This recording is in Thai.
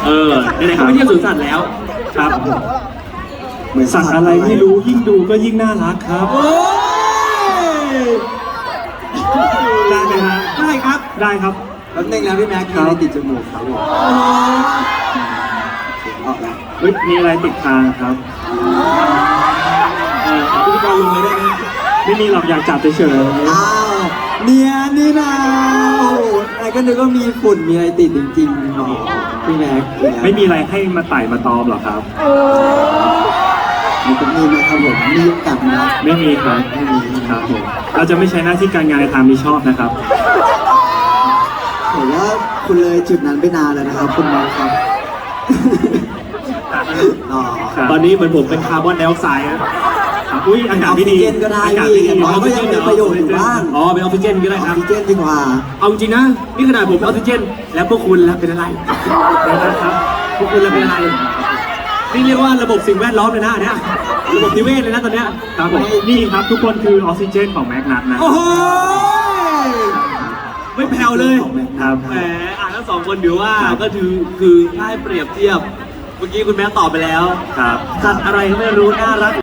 ไหนๆเขาไปเที่ยวสวนสัตว์แล้วครับเหมือนสัตว์อะไรไม่รู้ยิ่งดูก็ยิ่งน่ารักครับได้ไหมฮะได้ครับได้ครับแล้วนึงแล้วพี่แม็กมีอะไรติดจมูกครับผมออกแล้วเฮ้ยมีอะไรติดทางครับพิธีกรลงเลยได้ไหมไม่มีหรอกอยากจับเฉยอ้าวเนี่ยนี่นะโอ้โหไอ้ก็นึกว่ามีฝุ่นมีอะไรติดจริงๆโอ้โหพี่แม็กไม่มีอะไรให้มาไต่มาตอมหรอครับมีไหมครับผมมียุงกัดไหมไม่มีครับไม่มีครับผมเราจะไม่ใช้หน้าที่การงานในทางมิชอบนะครับผมว่าคุณเลยจุดนั้นไปนานแล้วนะครับคุณแม็กครับตอนนี้เหมือนผมเป็นคาร์บอนไดออกไซด์นะอุ้ยอากาศไม่ดีออกซิเจนก็ได้พี่อย่างน้อยก็ยังมีประโยชน์อยู่บ้างเป็นออกซิเจนก็ได้ครับออกซิเจนดีกว่าเอาจริงนะนี่ขนาดผมเป็นออกซิเจนแล้วพวกคุณแล้วเป็นอะไรนะครับพวกคุณแล้วเป็นอะไรนี่เรียกว่าระบบสิ่งแวดล้อมเลยนะเนี่ยระบบนิเวศเลยนะตอนเนี้ยครับผมนี่ครับทุกคนคือออกซิเจนของแม็กนัทนะโอ้โหไม่แผ่วเลยครับแหมทั้งสองคนถือว่าก็คือถ้าให้เปรียบเทียบเมื่อกี้คุณแม่ตอบไปแล้วครับสัตว์อะไรก็ไม่รู้น่ารัก